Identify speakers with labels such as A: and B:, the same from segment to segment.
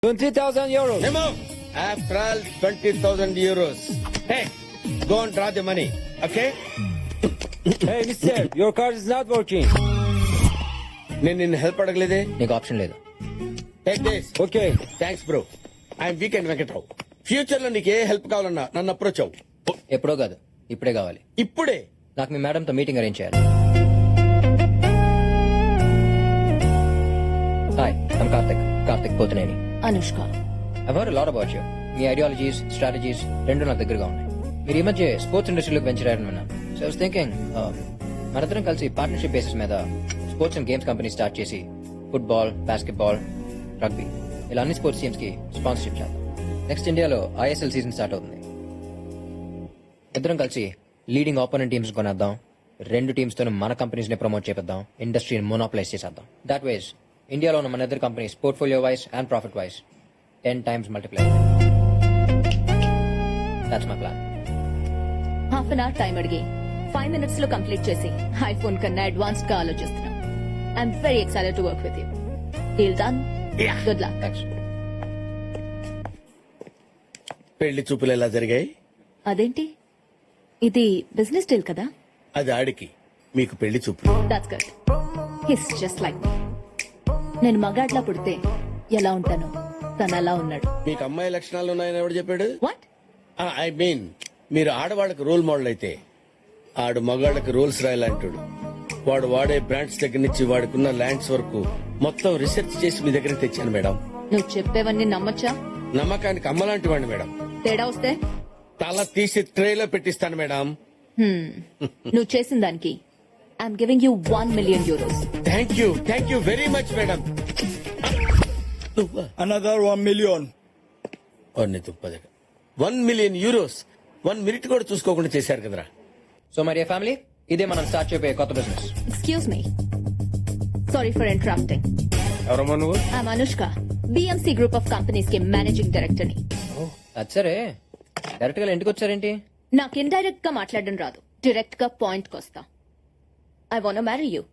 A: 20,000 euros.
B: Nemo, after all, 20,000 euros. Hey, go and draw the money, okay?
A: Hey, mister, your card is not working.
B: నేను నిన్ను help అడగలేదే.
C: నీకు option లేదు.
B: Take this.
A: Okay.
B: Thanks bro. I'm weekend Venkatrao. Future లో నీకు ఏ help కావాలన్నా నన్ను approach అవ్వు.
C: ఎప్పుడో కాదు, ఇప్పుడే కావాలి.
B: ఇప్పుడే.
C: నాకు మీ మేడంతో మీటింగ్ అరేంజ్ చేయాలి. Hi, I'm Karthik Pothuneni.
D: Anushka.
C: I've heard a lot about you. మీ ఐడియాలజీస్, స్ట్రాటజీస్ రెండు నాకు దగ్గరగా ఉన్నాయి. మీరు ఈ మధ్య స్పోర్ట్స్ ఇండస్ట్రీలోకి వెంచర్ అయ్యారని విన్నాను. సో ఐ వాస్ థింకింగ్ మనందరం కలిసి పార్ట్నర్షిప్ బేసిస్ మీద sports and games company start చేసి ఫుట్బాల్, బాస్కెట్బాల్, రగ్బీ ఇలా అన్ని స్పోర్ట్స్ టీమ్స్ కి స్పాన్సర్షిప్ చేద్దాం. నెక్స్ట్ ఇండియాలో ఐఎస్ఎల్ సీజన్ స్టార్ట్ అవుతుంది. ఇద్దరం కలిసి లీడింగ్ ఆపోనెంట్ టీమ్స్ కొనేద్దాం. రెండు టీమ్స్ తో మన కంపెనీస్ ని ప్రమోట్ చేద్దాం. ఇండస్ట్రీని మోనోప్లైజ్ చేసేద్దాం. దాట్ వేస్ ఇండియాలో ఉన్న మన ఇద్దరు companies portfolio wise and profit wise 10 times multiply. That's my plan.
D: Half an hour time అడిగి 5 minutes లో కంప్లీట్ చేసి ఐఫోన్ కన్నా అడ్వాన్స్డ్ గా ఆలోచిస్తున్నాం. I'm very excited to work with you. Deal done. Good luck.
C: Thanks.
B: పెళ్లి చూపులు ఎలా జరిగాయి?
D: అదేంటి, ఇది బిజినెస్ డీల్ కదా?
B: అది ఆడికి, మీకు పెళ్లి చూపులు.
D: That's good. He's just like me. నేను మగాడ్లా పుడితే ఎలా ఉంటాను, తను అలా ఉన్నాడు.
B: మీకు అమ్మాయి లక్షణాలు ఉన్నాయని ఎవడు చెప్పాడు?
D: వాట్?
B: ఐ మీన్ మీరు ఆడవాళ్ళకి రోల్ మోడల్ అయితే ఆడు మగాళ్ళకి రూల్స్ రాయాలంటాడు. వాడు వాడే బ్రాండ్స్ దగ్గర నుంచి వాడుకున్న ల్యాండ్స్ వరకు మొత్తం రీసెర్చ్ చేసి మీ దగ్గర తెచ్చాను మేడం.
D: నువ్వు చెప్పేవన్నీ నమ్మొచ్చా?
B: నమ్మకానికి అమ్మలాంటి వాడిని మేడం.
D: తేడా వస్తే
B: తల తీసి ట్రేలో పెట్టిస్తాను మేడం.
D: నువ్వు చేసిన దానికి I'm giving you 1 million euros.
B: Thank you very much madam.
E: Another 1 million.
B: 1 million euros 1 minute కూడా చూసుకోకుండా చేశారు కదరా.
C: సో మరి ఫ్యామిలీ, ఇదే మనం స్టార్ట్ చేయబోయే కొత్త business.
D: Excuse me. Sorry for interrupting.
B: ఎవరమ్మా నువ్వు?
D: I'm Anushka. BMC Group of Companies కి మేనేజింగ్ డైరెక్టర్ ని.
C: అది సరే, డైరెక్ట్ గా ఇంటికి వచ్చారేంటి?
D: నాకు ఇండైరెక్ట్ గా మాట్లాడడం రాదు, డైరెక్ట్ గా పాయింట్ కి వస్తా. I want marry you.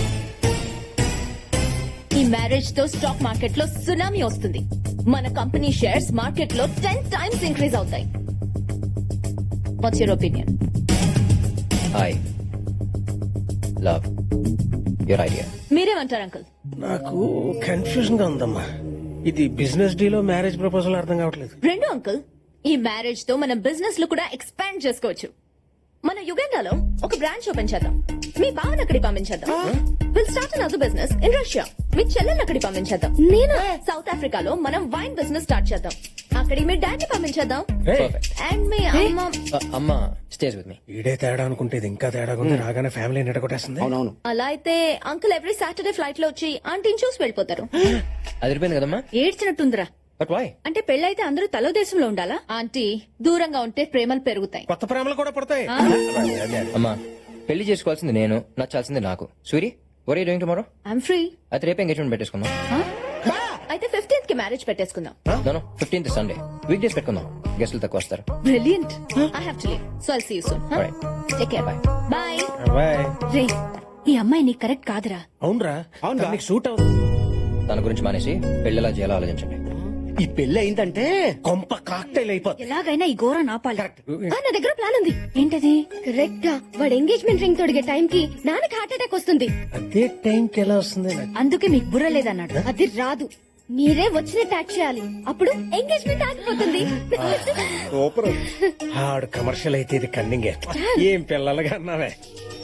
D: ఈ మ్యారేజ్ తో స్టాక్ మార్కెట్ లో సునామీ వస్తుంది. మన కంపెనీ షేర్స్ మార్కెట్ లో 10 times ఇంక్రీజ్ అవుతాయి. What's your opinion?
C: Hi love your idea.
D: మీరేమంటారు అంకుల్?
F: నాకు కన్ఫ్యూజన్ గా ఉందమ్మా. ఇది బిజినెస్ డీలో మ్యారేజ్ ప్రపోజల్ అర్థం కావట్లేదు.
D: రెండు అంకుల్, ఈ మ్యారేజ్ తో మనం బిజినెస్ లో కూడా ఎక్స్పాండ్ చేసుకోవచ్చు. మన యుగండాలో ఒక బ్రాంచ్ ఓపెన్ చేద్దాం. మీ బావని అక్కడికి పంపించేద్దాం. Will start another business in Russia. మీ చెల్లెల్ని అక్కడికి పంపించేద్దాం. నేను సౌత్ ఆఫ్రికాలో మనం వైన్ బిజినెస్ స్టార్ట్ చేద్దాం. అక్కడికి మీ డాడీ పంపించేద్దాం. అండ్ మీ అమ్మ
C: అమ్మ స్టేజ్ విత్ మీ.
F: ఈడే తేడా అనుకుంటే ఇది ఇంకా తేడాగా ఉంది. రాగానే ఫ్యామిలీ నిడగొట్టేస్తుంది.
E: అవునవును.
D: అలా అయితే అంకుల్ ఎవ్రీ సాటర్డే ఫ్లైట్ లో వచ్చి ఆంటీని చూసి వెళ్ళిపోతారు.
C: అదిరిపోయింది కదమ్మా.
D: ఏడ్చినట్టుందిరా.
C: But why?
D: అంటే పెళ్ళైతే అందరూ తలో దేశంలో ఉండాలా? ఆంటీ, దూరంగా ఉంటే ప్రేమలు పెరుగుతాయి.
F: కొత్త ప్రేమలు కూడా పడతాయి.
C: అమ్మా, పెళ్లి చేసుకోవాల్సింది నేను, నచ్చాల్సింది నాకు. Suri, were you doing tomorrow?
D: I'm free.
C: అయితే రేపు ఎంగేజ్మెంట్ పెట్టేసుకుందాం.
D: అయితే 15th కి మ్యారేజ్ పెట్టేసుకుందాం.
C: No 15th Sunday. Week days పెట్టుకుందాం, గెస్టులు తక్కువ వస్తారు.
D: Brilliant. I have to leave. So I'll see you soon. Huh?
C: Alright.
D: Take care. Bye. Bye.
F: Bye.
D: రే, ఈ అమ్మాయి నీకు కరెక్ట్ కాదురా.
F: అవునరా, అవును నీకు సూట్ అవుతుంది.
C: తన గురించి మానేసి పెళ్లిలా చేయాలో ఆలోచించండి.
E: ఈ పెళ్లి అయిందంటే
F: కొంప కాక్టైల్ అయిపోతుంది.
D: ఎలాగైనా ఈ ఘోర నాపాలి. నా దగ్గర ప్లాన్ ఉంది. ఏంటది? కరెక్ట్ గా వాడు ఎంగేజ్మెంట్ రింగ్ తొడిగే టైం కి నాన్నకి హార్ట్ అటాక్ వస్తుంది.
F: అదే టైంకి ఎలా వస్తుంది నాకు?
D: అందుకే మీకు బుర్ర లేదన్నాడు. అది రాదు, మీరే వచ్చినట్టు యాక్ట్ చేయాలి. అప్పుడు ఎంగేజ్మెంట్ ఆగిపోతుంది.
F: సూపర్. ఆడు కమర్షియల్ అయితే ఇది కన్నింగే. ఏం పిల్లలుగా అన్నావే.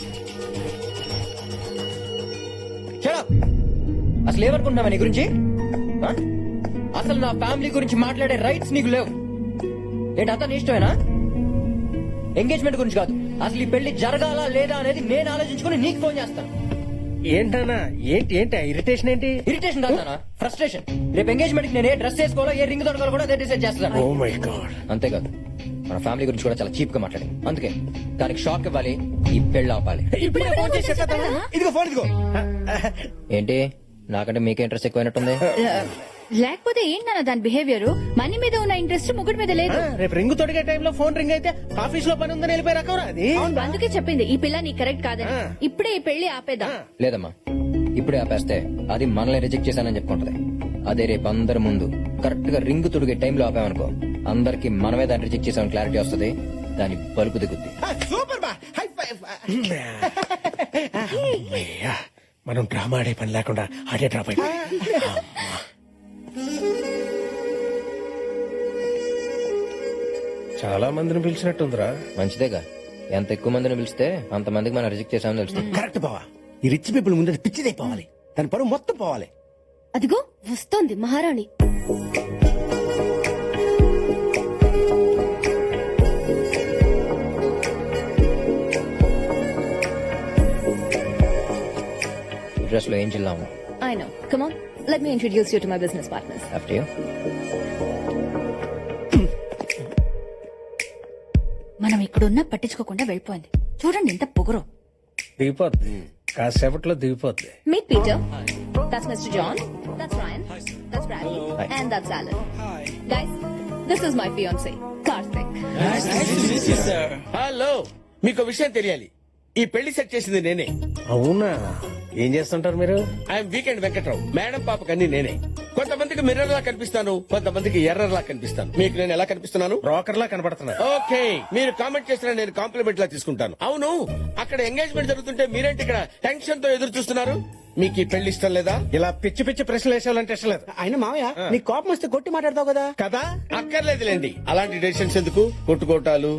C: Shut up! అసలు ఏమనుకుంటున్నావా నీ గురించి? ఆ? అసలు నా ఫ్యామిలీ గురించి మాట్లాడే రైట్స్ నీకు లేవు. ఏంటి అంతా నీ ఇష్టమేనా? ఎంగేజ్మెంట్ గురించి కాదు, అసలు ఈ పెళ్లి జరగాలా లేదా అనేది నేను ఆలోచించుకుని నీకు ఫోన్ చేస్తాను.
F: ఏంటన్నా? ఏంటి ఇరిటేషన్ ఏంటి?
C: ఇరిటేషన్ కాదు, ఫ్రస్ట్రేషన్. రేపు ఎంగేజ్మెంట్ నేను ఏ డ్రెస్ వేసుకోవాలో, ఏ రింగ్ దొరకాలో కూడా అదే డిసైడ్ చేస్తాను.
F: Oh my god.
C: అంతేకాదు, మన ఫ్యామిలీ గురించి కూడా చాలా చీప్ గా మాట్లాడింది. అందుకే దానికి షాక్ ఇవ్వాలి, ఈ పెళ్లి ఆపాలి.
E: ఇదిగో ఫోన్ ఇదిగో.
C: ఏంటి, నాకంటే మీకే ఇంట్రెస్ట్ ఎక్కువైనట్టుంది.
D: లేకపోతే ఏంటన్న దాని బిహేవియర్? మనీ మీద ఉన్న ఇంట్రెస్ట్ ముగ్గురు మీద లేదు.
F: రేపు రింగ్ తొడిగే టైంలో ఫోన్ రింగ్ అయితే ఆఫీస్ లో పని ఉందని వెళ్ళిపోయి రకం అది.
D: అందుకే చెప్పింది ఈ పిల్ల నీ కరెక్ట్ కాదని. ఇప్పుడే ఈ పెళ్లి ఆపేద్దాం.
C: లేదమ్మా, ఇప్పుడే ఆపేస్తే అది మనల్ని రిజెక్ట్ చేశానని చెప్పుకుంటది. అదే రేపు అందరి ముందు కరెక్ట్ గా రింగ్ తుడిగే టైంలో ఆపామనుకో అందరికి మనమే దాన్ని రిజెక్ట్ చేసామని క్లారిటీ వస్తుంది. దాని బలుపు దిగుద్ది.
E: సూపర్ బా హై ఫైవ్.
F: అమ్మయ్యా, మనం డ్రామా ఆడే పని లేకుండా ఆడే డ్రాప్ అయిపోయి. చాలా మందిని పిలిచినట్టుందిరా.
C: మంచిదేగా, ఎంత ఎక్కువ మందిని పిలిస్తే అంత మందికి మనం రిజెక్ట్ చేసామని తెలుస్తుంది.
E: కరెక్ట్ బావా. ఈ రిచ్ పీపుల్ ముందు పిచ్చిదే పోవాలి. దాని పరువు మొత్తం పోవాలి.
D: అదిగో వస్తోంది మహారాణి.
C: డ్రెస్ లో ఏం చిల్లాము.
D: I know. Come on, let me introduce you to my business partners.
C: After you.
G: మనం ఇక్కడున్నా పట్టించుకోకుండా వెళ్ళిపోయింది. చూడండి ఎంత పొగరు.
F: దిగిపోద్ది, కాసేపట్లో దిగిపోద్ది.
D: Meet Peter. That's Mr. John. That's Ryan. That's Bradley.
C: Hi.
D: And that's Alan. Guys, this is my fiancé, Karthik.
B: Hello, మీకు విషయం తెలియాలి. ఈ పెళ్లి సెట్ చేసింది నేనే.
F: అవునా, ఏం చేస్తుంటారు మీరు?
B: I'm weekend Venkatrao. మేడం పాపకి అన్ని నేనే. కొంతమందికి మిర్రర్ లా కనిపిస్తాను, కొంతమందికి ఎర్రర్ లా కనిపిస్తాను. మీకు నేను ఎలా కనిపిస్తున్నాను?
F: బ్రోకర్ లా కనపడుతున్నా.
B: ఓకే, మీరు కామెంట్ చేసిన నేను కాంప్లిమెంట్ లా తీసుకుంటాను. అవును, అక్కడ ఎంగేజ్మెంట్ జరుగుతుంటే మీరేంటి ఇక్కడ టెన్షన్ తో ఎదురు చూస్తున్నారు? మీకు ఈ పెళ్లి ఇష్టం లేదా?
F: ఇలా పిచ్చి పిచ్చి ప్రశ్నలు వేసేవాలంటే ఇష్టం లేదు.
E: ఆయన మావయ్య నీ కోపం వస్తే కొట్టి మాట్లాడతావు కదా.
F: కదా,
B: అక్కర్లేదులేండి, అలాంటి డెసిషన్స్ ఎందుకు? కొట్టుకోటాలు.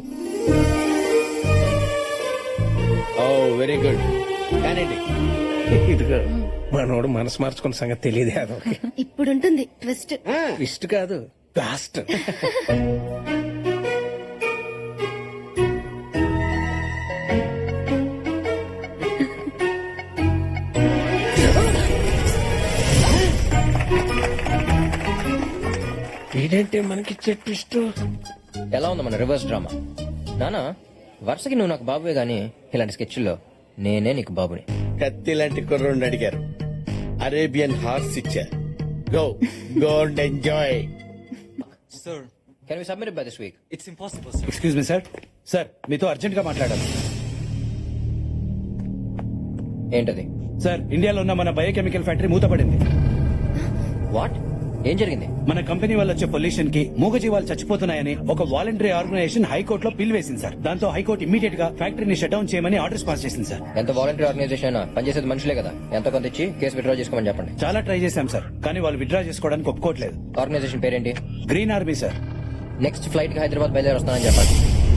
B: Oh very good. కానండి,
F: ఇదిగో మనోడు మనసు మార్చుకున్న సంగతి తెలియదు. అదొక
D: ఇప్పుడుంటుంది ట్విస్ట్.
F: ఇష్ట కాదు, లాస్ట్. ఏంటంటే మనకి ట్విస్ట్.
C: ఎలా ఉంది మన రివర్స్ డ్రామా? నానా, వరుసకి నువ్వు నాకు బాబువే గానీ ఇలాంటి స్కెచ్ల్లో నేనే నీకు బాబుని.
B: కత్తి లాంటి కుర్రోడిని అడిగారు, అరేబియన్ హార్స్ ఇచ్చారు. Go go and enjoy.
A: Sir,
C: can we submit by this week?
A: it's impossible, sir.
E: Excuse me sir. Sir మీతో అర్జెంట్ గా మాట్లాడాలి.
C: ఏంటది?
E: సార్, ఇండియాలో ఉన్న మన బయోకెమికల్ ఫ్యాక్టరీ మూతపడింది.
C: వాట్? ఏం జరిగింది?
E: మన కంపెనీ వల్ల వచ్చే పొల్యూషన్ కి మూగజీవాలు చచ్చిపోతున్నాయని ఒక వాలంటరీ ఆర్గనైజేషన్ హైకోర్టులో పిల్ వేసింది సార్. దాంతో హైకోర్టు ఇమీడియట్ గా ఫ్యాక్టరీని షట్ డౌన్ చేయమని ఆర్డర్స్ పాస్ చేసింది సార్.
C: ఎంత వాలంటీర్ ఆర్గనైజేషన్ అయినా పనిచేసేది మనుషులే కదా. ఎంత కొంత ఇచ్చి కేసు విత్డ్రా చేసుకోమని చెప్పండి.
E: చాలా ట్రై చేశాం సార్, కానీ వాళ్ళు విత్డ్రా చేసుకోవడానికి ఒప్పుకోవట్లేదు.
C: ఆర్గనైజేషన్ పేరేంటి?
E: Green army sir.
C: Next flight కి హైదరాబాద్ బయలుదేరి వస్తానని చెప్పండి.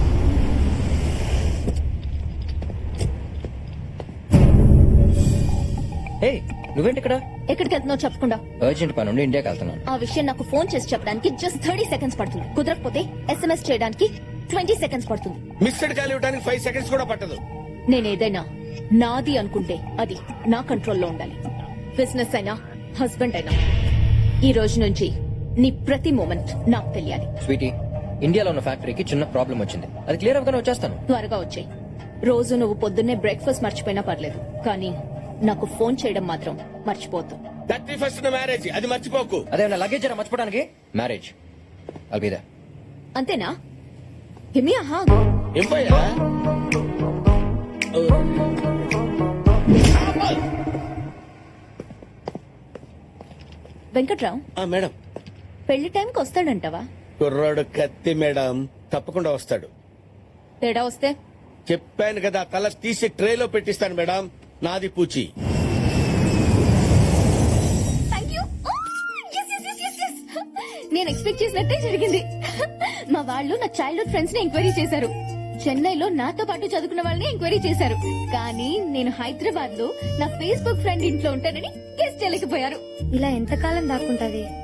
C: హే, నువ్వేంటి ఇక్కడ?
D: ఎక్కడికి వెళ్తున్నావు చెప్పకుండా?
C: అర్జెంట్ పని ఉండి ఇండియాకి వెళ్తున్నాను.
D: ఆ విషయం నాకు ఫోన్ చేసి చెప్పడానికి జస్ట్ 30 seconds పడుతుంది. కుదరకపోతే SMS చేయడానికి 20 seconds పడుతుంది.
B: మిస్డ్ కాల్ ఇవ్వడానికి 5 seconds కూడా పట్టదు.
D: నేనేదైనా నాది అనుకుంటే అది నా కంట్రోల్లో ఉండాలి. బిజినెస్ అయినా హస్బెండ్ అయినా ఈ రోజు నుంచి నీ ప్రతి మూమెంట్ నాకు తెలియాలి.
C: స్వీటీ, ఇండియాలో ఉన్న ఫ్యాక్టరీకి చిన్న ప్రాబ్లం వచ్చింది. అది క్లియర్ అవ్వగానే వచ్చేస్తాను.
D: త్వరగా వచ్చాయి. రోజు నువ్వు పొద్దున్నే బ్రేక్ఫాస్ట్ మర్చిపోయినా పర్లేదు, కానీ నాకు ఫోన్ చేయడం మాత్రం మర్చిపోద్దు.
B: 31st మ్యారేజ్, అది మర్చిపోకు.
C: అదే నా లగేజ్ జర మర్చిపోవడానికి. Marriage I'll be there.
D: అంతేనా? హిమి ఆహా.
B: ఎంపయ్యా
D: వెంకట్రావు,
B: మేడం,
D: పెళ్లి టైంకి వస్తాడంటావా?
B: కుర్రాడు కత్తి మేడం, తప్పకుండా వస్తాడు.
D: తేడా వస్తే
B: చెప్పాను కదా, తల తీసి ట్రేలో పెట్టిస్తాను మేడం. నాది పూచి.
D: నేను ఎక్స్పెక్ట్ చేసినట్టే జరిగింది. మా వాళ్ళు నా చైల్డ్హుడ్ ఫ్రెండ్స్ ని ఎంక్వైరీ చేశారు. చెన్నైలో నాతో పాటు చదువుకున్న వాళ్ళని ఎంక్వైరీ చేశారు. కానీ నేను హైదరాబాద్ లో నా ఫేస్బుక్ ఫ్రెండ్ ఇంట్లో ఉంటానని గెస్ట్ చేయలేకపోయారు.
H: ఇలా ఎంతకాలం దాక్కుంటది?